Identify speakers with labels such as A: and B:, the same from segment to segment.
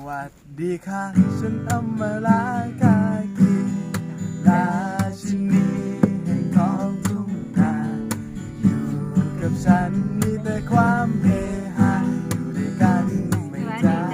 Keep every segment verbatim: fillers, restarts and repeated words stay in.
A: วัสดีค่ะฉันอำมาลากากีราชินีแห่งท้องทุ่งนาอยู่กับฉันมีแต่ความเฮฮาอยู่ด้วยกันไม่จ้า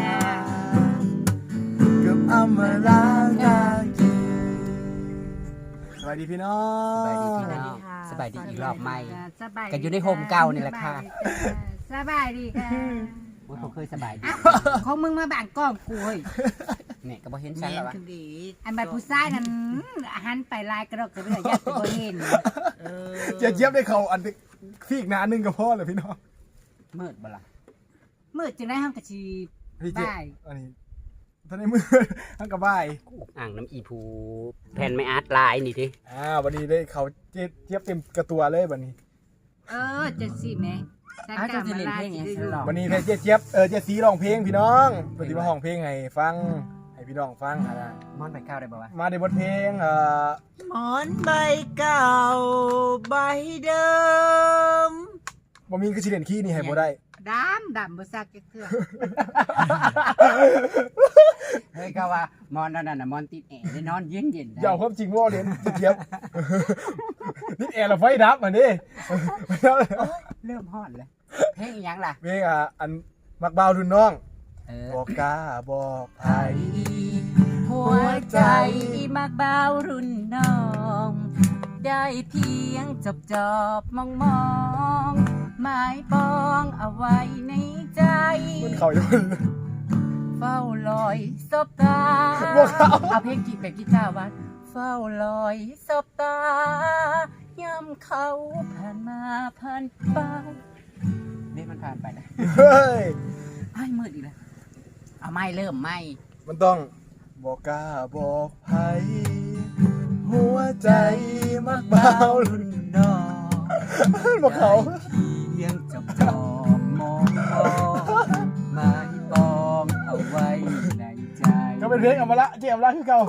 A: กับอำมาลากากีสวัสดีพี่น้อง
B: สบายดีพี่น้องสบายดีอีกรอบใหม่กันอยู่ในโฮมเก่านี่แหละค่ะ
C: สบายดีค่ะ
B: ว่าเขาเคยสบายดี
C: ของมึงมาบางกล้องกูเฮ้ย
B: เนี่ยก็บ่เห็นฉันแล้ววะ
C: อันบัดผู้ชายนั้นหันไปลายกระดกกระเดื่อยยัดไปบ่เห็น
A: เจี๊ยบเจี๊ยบได้เขาอันฟีกหนาหนึ่งกับพ่อเลยพี่น้อง
B: มืดบ่ล่ะ
C: มืดจึงได้ห้องกระชีบ้าย
A: อันนี้ตอนนี้มืดห้องกระบ้าย
B: อ่างน้ำอีภูแผ่นไม่อาร์ตลายนี่ที
A: อ่าวันนี้ได้เขาเจี๊ยบเต็มกระตัวเลยวันนี้
C: เออจะสิแม่
B: อาจจะเล่นเพลงไง
A: วันนี้เจี๊ยบเจี๊ยบเออเจี๊ยบสีร้องเพลงพี่น้องปฏิมาห้องเพลงให้ฟังให้พี่น้องฟังอะไร
B: มอนใบเก้าได้บ่วะ
A: มาในบทเพลงเอ่อ
C: มอนใบเก่าใบเดิม
A: บ่มีคือสิเล่นขี้นี่ให้บ่ได้
C: ดำดำบ่ซักจักเทื่อ
B: เฮ้ยก็ว่ามอนนั่นน่ะมอนติดแอร์ได้นอนเย็นๆ
A: อย่าเอาความจริงว่าเล่นเจี๊ยบนี่แอร์เราไฟดับอันนี้
B: เริ่มฮอดเลยเพลงอีหยังล่ะ
A: เพลงอ่ะอันมักบ่าวรุ่นน้องบอกกล้าบอกไผ
C: หัวใจมักบ่าวรุ่นน้องได้เพียงจบจอบมองมองหมายปองเอาไว้ในใจ
A: มันเขาอยู่
C: เฝ้าลอยสบตาเอาเพลงกีแบบกีตาร์วัดเฝ้าลอยสบตายามเขาผ่านมาผ่านไป
B: นี่มันผ่านไปนะ
A: เฮ้ย
B: ไอ้มืดอีกแล้วเอาไม่เริ่มไม่
A: มันต้องบอกกล้าบอกไผหัวใจมักบ่าวรุ่นน้องบอกเขา
B: เพียงจับจอบมองมองหมายปองเอาไว้ในใจ
A: ก็เป็นเพลงอมละเจียมละคือเก่า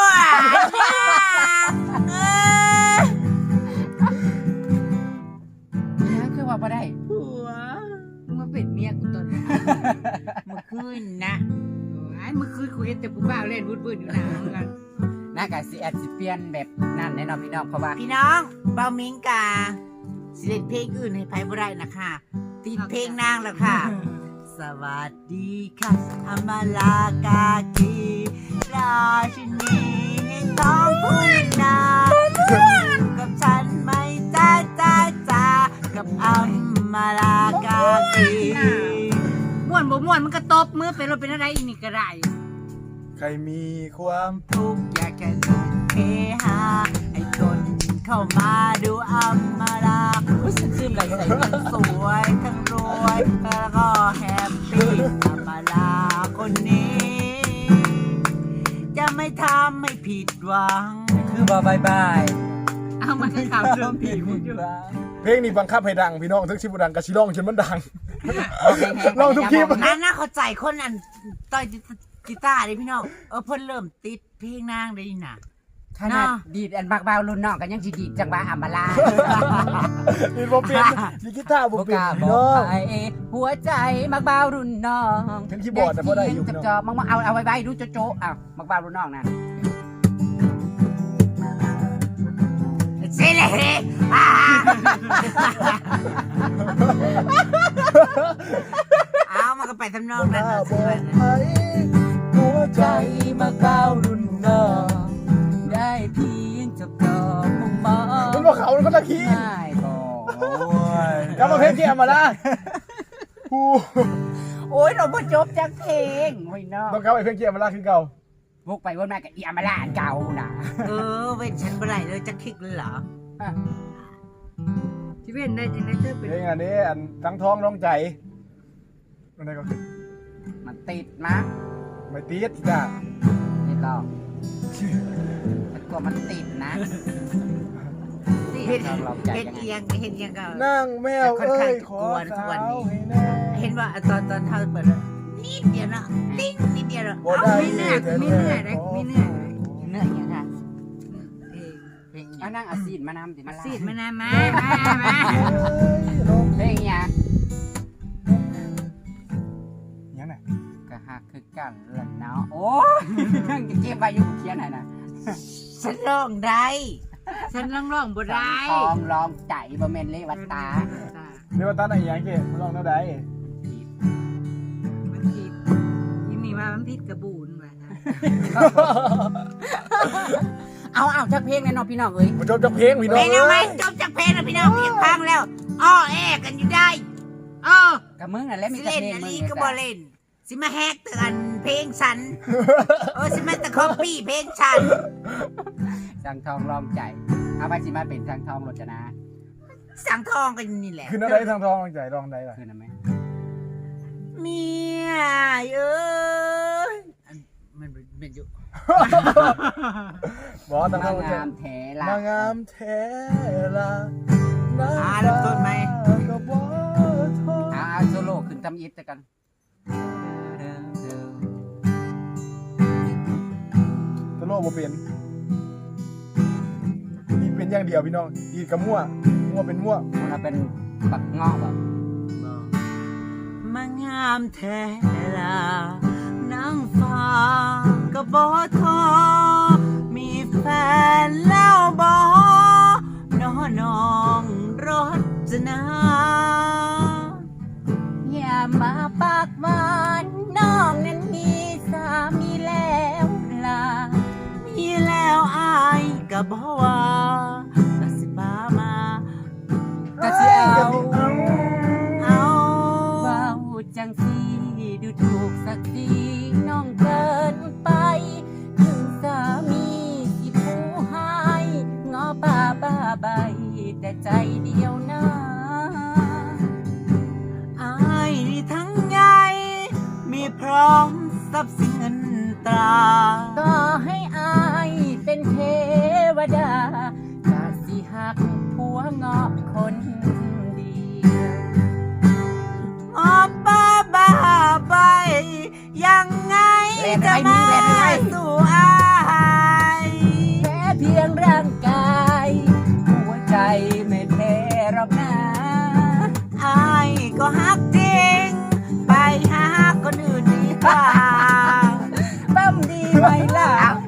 B: นี่คือว่าบ่ได้
C: ผัวมึงมาเป็นเมียกูตอนนี้เมื่อคืนนะไอ้เมื่อคืนกูเห็นแต่ผู้บ่าวเล่นวุ่นๆอยู่นะเหมือนกัน
B: น่ากะสิแอดสิเปลี่ยนแบบนั่นแน่นอนพี่น้องเพราะว่า
C: พี่น้องเบามิงกาสิเล่นเพลงอื่นให้ไผบ่ได้นะคะติดเพลงนางแล้วค่ะสวัสดีค่ะอำมาลากากีราชินีแห่งท้องทุ่งนากับฉันไม่จ้าจ้าจ้ากับอำมาลากากีม่วนบ่ม่วนมันก็ตบมือเป็นรถเป็นอะไรอีกนี่ก็ได้
A: ใครมีความ
C: ทุกข์อยากแค่ทุกเฮฮาให้คนเข้ามาดูอำมาลาผู้ชื่นชื่นไหลใส่ทั้งสวยทั้งรวยแล้วก็แฮปปี้อำมาลาคนนี้จะไม่ทำให้ผิดหวัง
B: คือบายบาย
C: เอามาข่าวเรื่องผีมึงอยู่
A: เพลงนี้บังคับให้ดังพี่น้องทั้งชิบุดังกับชิร้องจนมันดังลองทุกคลิป
C: นั่นน่าเข้าใจคนอันต่อยกีตาร์ดิพี่น้องเออเพิ่นเริ่มติดเพลงนางได้น่ะ
B: ขนาดดีดอันบักบ่าวรุ่นน้องกันยังสิดีดจังหวะอำมาลา
A: ดีบ่เป็นดีกีตาร์บ่เป็นพี่น้อง
B: หัวใจมักบ่าวรุ่นน้อง
A: ถึงคีย์บอร์ดแต่บ่ได้อยู่
B: จอๆมึงเอาเอาไว้ๆดูโจ๊ะๆอ้าวมักบ่าวรุ่นน้องน่ะ
C: เซ่เลยเอามันก็ไปทำนองนั้นนะ
A: หัวใจ
B: มักบ่าวรุ่นน้องได้เพียงจับจอบมองมอง
A: มันบอกเขามันก็ตะขี้
B: ได้บอกโอ้
A: ยกลับมาเพลงเกี่ยมมาละ
B: โอ้ยเราบ่จบจักเพลงโอ้ยน้อง
A: ต้องกลับไปเพลงเกี่ยมมาละคือเก่า
B: พวกไปวนมากับอีอามาลาเก่าน่ะ
C: เออเว้นฉันบ่ได้เลยจักคลิกเลยเหรอที่เว้นได้จังได๋เธอเป็น
A: เพลงอันนี้อันทั้งท้องน้องใจมันได้ก็คือ
B: มันติดนะ
A: ไม่ติดจ้ะ
B: ติดหรอกมันกลัวมันติดนะ
C: เห็นเห็นเอียงเห็นเอียงก็
A: นั่งแมวเอ้ยขอสาว
C: เห็นว่าตอนตอนเท่าเปิดนิดเดียวนะติ๊งนิดเดียวนะไม่เหนื่อยไม่เหนื่อยเลยไม่เหนื่อย
B: เหนื่อยยังไงเอานั่งอาซีดมานำสิมา
C: ซีดมานำมามามา
B: เพลงยัง
A: ยังไง
B: ก็หหักคือกันละเนาะโอ้ยจะเก็บไว้อยู่เขียนไหนนะ
C: ฉันร้องได้ฉันร้องร้องบ่ได้
B: ทองรองใจบ่แม่นเลวัตตา
A: เรียกว่าตั้งไหนยังเกมึงลองเท่าใด
D: มันผิดยินนี่ว่ามันผิดกระบูนว่ะ
B: เอาเอาจักเพลงแน่นอนพี่น้องเอ้ย
A: มาจบจากเพลงพี่น้อง
C: เพลงเอาไหมจบจากเพลงแล้วพี่น้องเพียงพังแล้วอ้อแอกันอยู่ได้อ้อ
B: กับมึงน่ะแหล้วมี
C: สิ
B: แต่
C: เล่น
B: เพลง
C: อัน
B: มึง
C: นี้
B: นี่
C: ก็
B: จ้ะ
C: บ่เล่นสิมาแฮกเตือนเพลงฉันเออสิมาตะคอปปี้เพลงฉัน
B: สังทองรองใจเอาไปสิมาเป็นสังทองรจนา
C: สังทองกันนี่แหละ
A: คือนั่นได้ทางทองใจรองใดล่ะ
B: คือนั่นไหม
C: เมียเอ้ยอันมันเป็นอยู่
A: บอกทางท
B: มา
A: องใจ
B: งามแท้ละ
A: นางงามแท้ละน้ำ
C: อ่าเริ่มต้นไหม
A: ก็บ่ทอ
B: เอาเอาโซโล่ขึ้นทำอิฟแต่กัน
A: ตะโลบ่เป็นนี่เป็นอย่างเดียวพี่น้องอีกกับมั่วมั่วเป็นมั่ว
B: มันเป็นบักเงาะแบบ
C: มางามแท้ละนางฟ้าก็บ่ทอมีแฟนแล้วบ่น้อน้องรจนา
B: อย่ามาปากหวานน้องนั้นมีสามีแล้วล่ะ
C: มีแล้วอายก็บ่ว่าก็สิบ้ามา
B: ก็สิเอา
C: เอา
B: ว้าวจังสีดูถูกสักทีน้องเกินไป ถึงสามีที่ผู้ให้งอป่าบ้าใบ แต่ใจเดียวนะ
C: อายนี่ทั้งใหญ่มีพร้อมทรัพย์สินเงินตรา
B: ก็ให้อายเป็นเทวดาจะสิหักผัวงอคนเดียว
C: ออกบ้าบ้าไปยังไงจะมาสู่อาย
B: แค่เพียงร่างกาย หัวใจไม่แพ้หรอกนะ
C: อายก็ฮักจริง ไปหาคนอื่นดีกว่า
B: ปั้มดีไหมล่ะ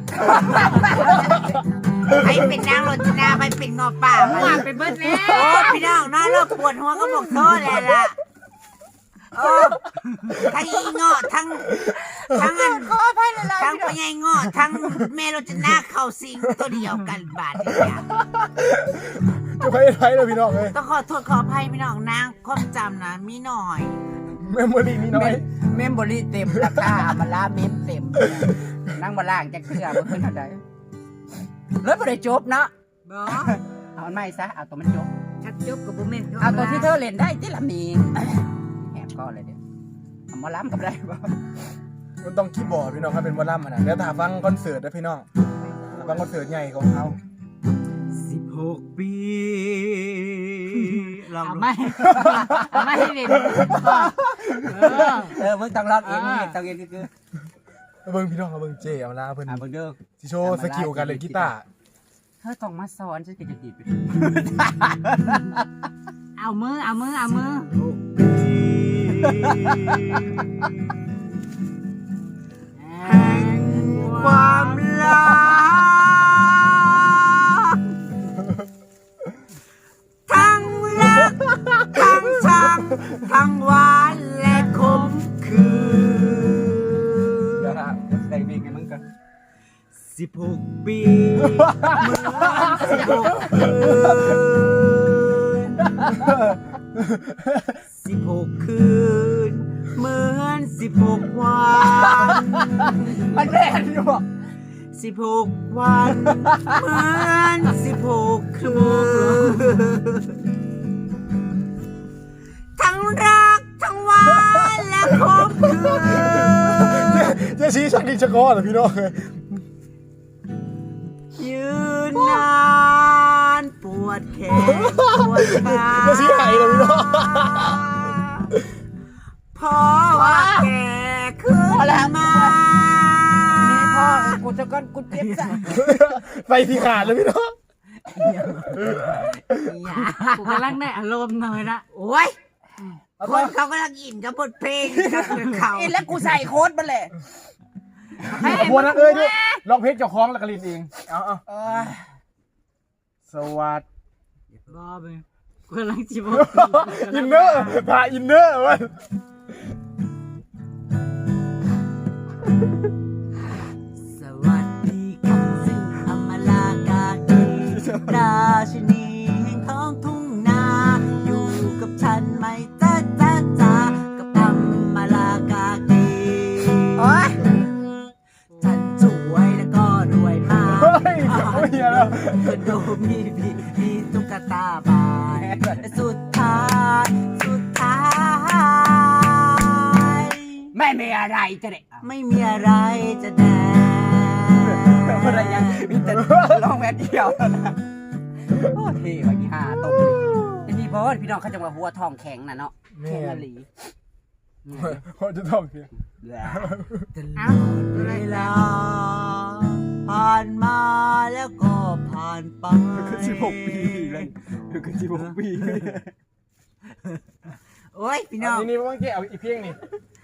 C: ไปเป็นนางรจนาไปเป็นงอป่า
D: หวานไปเบิดแล้ว
C: โอ้พี่น้องน้อยเลิกปวดหัวก็บอกโทษแล้วล่ะโอ้ทั้งอีเงาะทั้งทั้งอันทั้งพญายเงาะทั้งแม่รจนาเข้าสิงตัวเดียวกันบาดเนี่ย
A: จะไปไทยเลยพี่น้องเลย
C: ต้องขอโทษขออภัยพี่น้องนางความจำนะมีหน่อย
A: เมมโมรี่มีน้อย
B: เมมโมรี่เต็มราคามาลาเมมเต็มนั่งมาล่างจะเชื่อเพื่อนเท่าใดแล้วบ่ได้จบเนาะ
D: บ่
B: เอามันไม่ซะเอาตัวมันจบ
D: ชักจบกับบ่แม่น
B: เอาตัวที่เธอเล่นได้ที่ละมีแอบก็เลยเดี๋ยวเอามาล้ำกับได้บ่
A: มันต้องคีย์บอร์ดพี่น้องครับเป็นวอลลัมอ่ะนะเดี๋ยวถ้าฟังคอนเสิร์ตนะพี่น้องถ้าฟังคอนเสิร์ตใหญ่ของเขา
C: สิบหกปีลอง
D: เอา
C: ดู
D: ไม่เอาไม่ให้เล่นเออ
B: เออมึงต้องร้องเองมึงต้องเองคือ
A: เอาเบิ่งพี่น้องเอาเบิ่งเจเอาลาเพิ่น
B: อ่ามึงเด้อ
A: สิโชว์สกิลการเล่นกีตาร์
B: เธอต้องมาสอนฉันก็จะดีไป
D: เอามือเอามือเอามือ
C: แห่งความรักทั้งรักทั้งชังทั้งหวานและขมขื่
B: เดี๋ยวน นะใส่บีกให้มึงก่อน
C: สิบหกปีเหมือนสิบหกคืนสิบหกคืนเหมือนสิบหกวัน
B: มันแน่นอยู่บ่
C: สิบหกวันเหมือนสิบหกคืนทั้งรักทั้งหวานและขมขื่น
A: เจชี้ชักดินชักก้อนเหรอพี่น้องเลย
C: ยืนนานปวดแขนปวดขา
A: เจชี้หายเลยพี่น้อง
C: เพราะว่าแกขึ้นมา
B: นี่พ่อกูจะก้อนกูเจ็บซะ
A: ไปที่ขาดเลยพี่น้อง
C: อย่า
D: กูกำลังได้อารมณ์หน่อยละ
C: โอ้ย
A: เอา
C: ค
A: ต่อน
C: เขากำลังอินกับบทเพลงกับเขา
B: อินแล้วกูใส่โค้ดมันแหละ
A: เอาบัวนักเอ้ยด้วยลองเพลงเจ้าของแล้วก็ลินเองเอาเอา
B: เออ
A: สวัสดี
D: บ้าไปกูกำลังจิบ
A: อินเนอร์พาอินเนอร์มัน
C: สวัสดีค่ะซึ่งอมลากากีราชินีแห่งท้องทุ่งนาอยู่กับฉันไหมจ้าจ้าจ้ากับอมลากากี
B: โอ๊ย
C: ฉันสวยแล้วก็รวยมาก
A: เฮ้ยเขาเฮียแล้ว
C: คอนโดมีมีมีตุ๊กตาบายสุดท้ายสุดท้าย
B: ไม่มีอะไรจะเด็ก
C: ไม่มีอะไรจะแดง
B: อะไรยังมีแต่ลองแม่เดียวเท่านะโอ้เท่ว่ะยี่ห้าตบเลยไอ้นี่บอสพี่น้องเขาจะมาหัวทองแข็งน่ะเนาะแข็งอลี
A: เขาจะต้องเพียง
D: อ้า
C: เวลาผ่านมาแล้วก็ผ่านไป
A: สิบหกปีเลยคือสิบหกปี
C: โอ้ยพี่น้อง
A: นี่นี่ว่าเจ๊เอาอีกเพลงนี่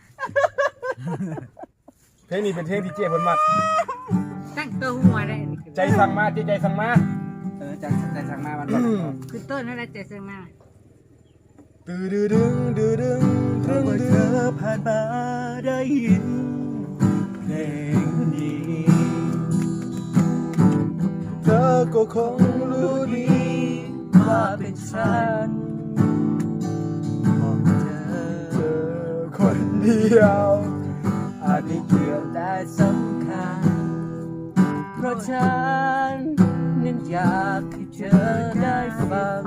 A: เพลงนี้เป็นเพลงที่เจ๊เพิ่นมัก
D: ตั้งตัวหัวได้
A: ใจสั่งมาเจ๊ใจสั่งมา
B: เออจะจะสั่งมาวันก่อน
D: คือต้นนั่นแหละเจสังมา
A: ตื้อดื้อดึงดื้อดึงดึงเธอผ่านมาได้ยินเพลงนี้เธอก็คงรู้ดีว่าเป็นฉันของเธอเธอคนเดียวอาจไม่เกี่ยวแต่สำคัญเพราะฉันนั้นอยากให้เธอได้ฟัง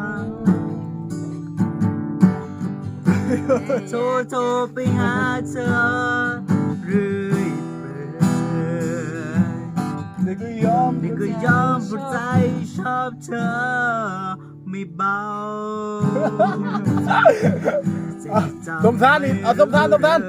C: โทรโทรไปหาเธอเรื่อยเปื่อย
A: เด็กก็ยอม
C: นี่ก็ยอมปวดใจชอบเธอไม่เบา
A: สมทานนี่เอาสมทานสมทาน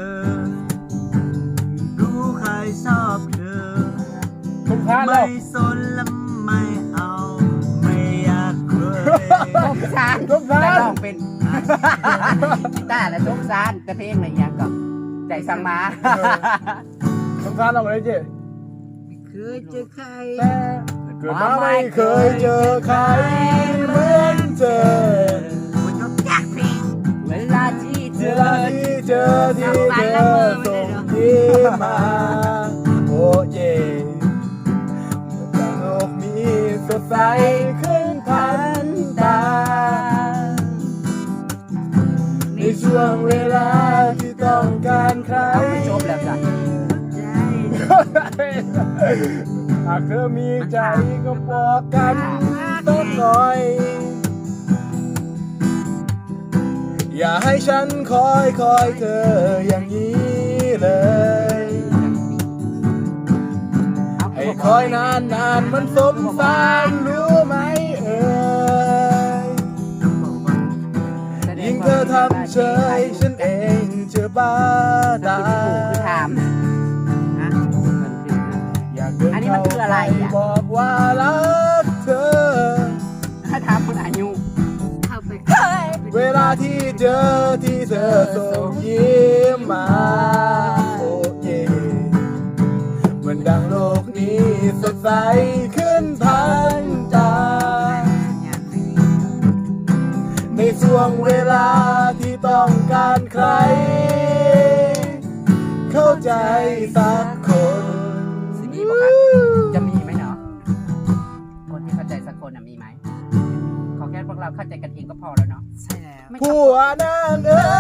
C: รู้ใครชอบเธอ
A: สมทาน
C: ไม่
A: แล้ว
C: สนและไม่เอาไม่อยากเคย
B: ส้มซาน
A: ส้มซาน
B: แต่ลองเป็นกีตาร์และส้มซานแต่เพลงอะไรอย่างก็ใจสั่งมา
A: สมทานเอาเลยเจ๊
C: ไม่เคยเจอใคร
A: แต่เกิดมาไม่เคยเจอใครเหมือนเธอ
C: คนยกยากเพลง
B: เวลาที่เธ
A: เว
B: อ
A: ลาที่เจอที่เธอส่งยิ้มมาโอ้เย่เมื่อโลกนี้สดใสขึ้นพันตา ในช่วงเวลาที่ต้องการใคร
B: เอาไปจบแล้วจ้ะ
C: ใจ
A: หากเธอมีใจก็บอกกันสักหน่อย อย่าให้ฉันคอยคอยเธออย่างนี้เลย ให้คอยนานนานมันสมสารรู้ไหมเอ่ยยิ่งเธอทำเฉยฉันเองจะบ้าตา
B: คือถาม
C: ฮะ
A: อยากเดิน
B: อันนี้มันคืออะไรอ่ะ
A: บอกว่ารักเธอ
B: ถ้าถามคนอายุ
D: เข้าไป
A: เวลาที่เจอที่เธอส่งยิ้มมาโอ้เย่เหมือนดังโลกนี้สดใสขึ้นพันตา ในช่วงเวลาที่ต้องการใคร เข้าใจสักคน
B: สิมีบอกครับจะมีไหมเนาะคนที่เข้าใจสักคนน่ะมีไหมขอแค่พวกเราเข้าใจกันเองก็พอแล้วเนาะ
C: ใช่แล้ว
B: ไม่
A: ผัวนางเอ้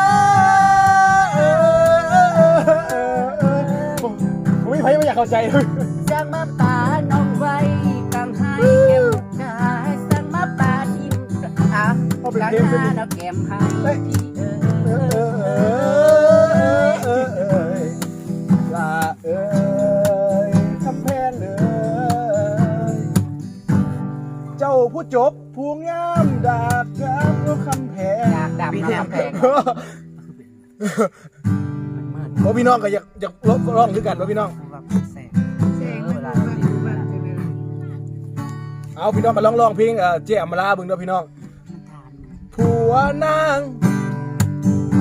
A: ยผมผมไม่ใครไม่อยากเข้าใจเลย
B: สั่งมาป่าน้องไว้กังให้เก็บกายสั่งมาป่าทิมอ่ะร้านหน้าเราเก็บให้พี่เอ
A: เอ
B: อ
A: อเออเออเออลาเอ้ยคำแพนเอ้ยเจ้าผู้จบผู้งามดาบงามก็คำแพง
B: อยากดับน้ำแพง
A: โอ้พี่น้องก็อยากอยากร้องร้องด้วยกันว่าพี่น้อง
C: แสง
D: เสียงมันแบบดูแบบเป็นอะไร
A: เอาพี่น้องมาร้องร้องเพลงเอ่อเจ๊อมราเบึงเด้อพี่น้อง
C: มันทาน
A: ผัวนาง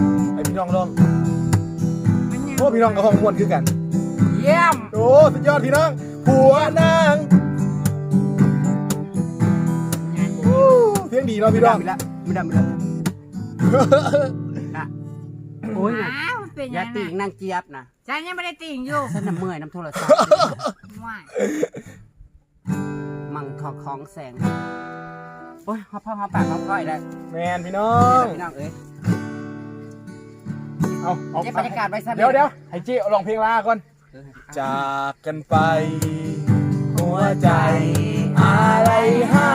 A: พี่น้องลองโอ้พี่น้องกับห้องม่วนคือกัน
B: เยี่ยม
A: โอ้สุดยอดพี่น้องผัวนางอู้เสียงดีเนาะพี่น้อง
B: ไม่ได้ไม่ได้ไม่ได้นะโอ้ยนะ
D: อ้าวมันเป็น
B: อ
D: ยั
B: ย่าง ติ่ง
D: ไง
B: นางเจี๊ยบนะ
D: ฉันยังไม่ได้ติ่งอยู่
B: ฉันน่ะเมื่อยน้ำโทรศัพท์
D: ว่า
B: มังทองของแสงโอ้ยหอมพ่อหอมปากหอมก้อยได้
A: แมนพี่น้อง
B: พี่น้องเอ้ย
A: เอาเอา
B: เก็บบรรยากาศไว้ซะ
A: เดี๋ยวเดี๋ยวให้เจ๊ลองเพลงลาก่อนจากกันไป หัวใจอะไรหา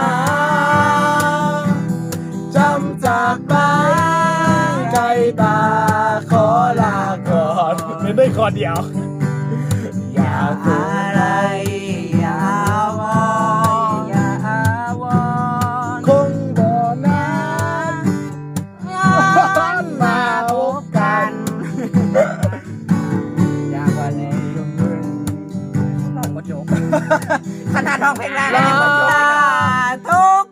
A: จำจากไปใจตาขอลาก่อนไม่ได้ขอเดียว อย่าพูด
C: อะไรอย่าวอน
B: อย่าวอน
A: คงบ่นานมาพบกัน
B: อยากว่าเลยน้องบ่จบ
C: ขนาดร้องเพลงแรกแล้วยังไม่จบเลยทุก